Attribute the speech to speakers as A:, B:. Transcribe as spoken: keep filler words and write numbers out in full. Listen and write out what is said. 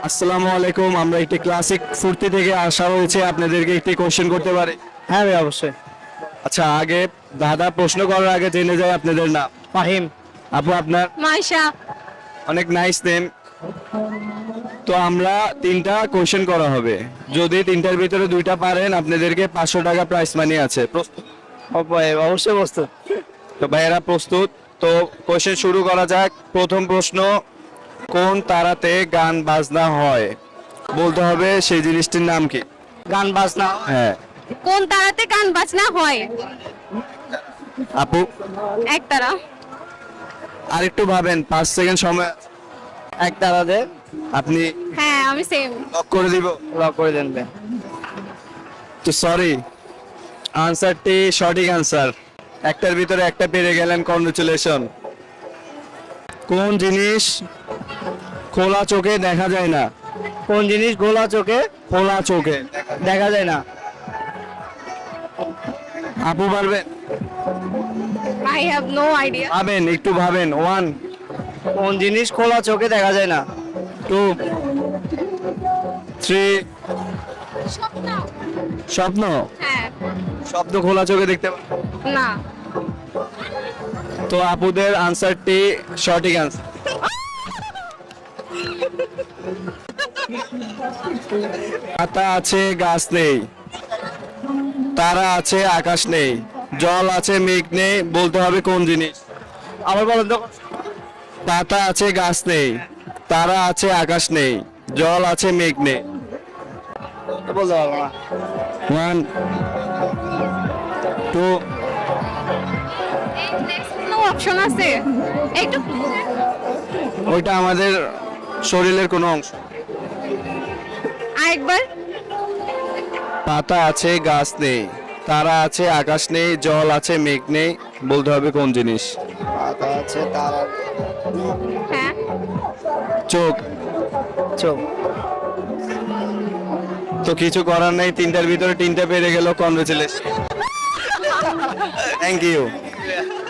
A: আসসালামু আলাইকুম। আমরা একটি ক্লাসিক ফুর্তি থেকে আসা হয়েছে, আপনাদেরকে একটি কোশ্চেন করতে পারে?
B: হ্যাঁ ভাই অবশ্যই।
A: আচ্ছা, আগে দাদা প্রশ্ন করার আগে জেনে যায় আপনাদের নাম।
B: ফাহিম।
A: আপু আপনার?
C: মাইশা।
A: অনেক নাইস নেম। তো আমরা তিনটা কোশ্চেন করা হবে, যদি তিনটার ভিতরে দুইটা পারেন আপনাদেরকে পাঁচশো টাকা প্রাইস মানি আছে। প্রস্তুত?
B: অবশ্যই প্রস্তুত।
A: তো ভাইয়েরা প্রস্তুত? তো কোশ্চেন শুরু করা যাক। প্রথম প্রশ্ন, কোন তারাতে গান বাজনা হয়? বলতে হবে সেই জিনিসটির নাম কি।
B: গান বাজনা।
A: হ্যাঁ
C: কোন তারাতে গান বাজনা হয়?
A: আপু
C: এক তারা।
A: আর একটু ভাবেন, পাঁচ সেকেন্ড সময় আছে।
B: এক তারাতে
A: আপনি
C: হ্যাঁ আমি সেম।
A: লক করে দিব?
B: লক করে দেন ভাই।
A: তো সরি, আনসারটি সঠিক আনসার। একটার ভিতরে একটা পেরে গেলেন, কংগ্রেচুলেশন। কোন জিনিস খোলা চোখে দেখা যায় না?
B: কোন জিনিস গোলা চোখে
A: খোলা চোখে
B: দেখা যায় না?
A: আপু পারবেন?
C: I have no idea.
A: ভাবেন, একটু ভাবেন। ওয়ান,
B: কোন জিনিস খোলা চোখে দেখা যায় না?
A: Two, three.
C: স্বপ্ন।
A: স্বপ্ন?
C: হ্যাঁ।
A: স্বপ্ন খোলা চোখে দেখতে পান?
C: না।
A: তো আপুদের আনসারটি সঠিক আনসার। পাতা আছে গাছ নেই, তারা আছে আকাশ নেই, জল আছে মেঘ নেই, বলতে হবে কোন জিনিস।
B: আবার বলেন তো।
A: পাতা আছে গাছ নেই, তারা আছে আকাশ নেই, জল আছে মেঘ নেই।
B: বলতে পারবো না।
A: One, two.
C: কোনো অপশন আছে? একটু
A: ওইটা আমাদের শরীরের কোনো অংশ।
C: আরেকবার।
A: পাতা আছে গাছ নেই, তারা আছে আকাশ নেই, জল আছে মেঘ নেই, বলতে হবে কোন জিনিস।
B: পাতা আছে তারা
C: হ্যাঁ।
A: চোখ।
B: চোখ।
A: তো কিছু করার নেই, তিনটার ভিতরে তিনটা পেরে গেল, কনগ্রেচুলেশন। Thank you.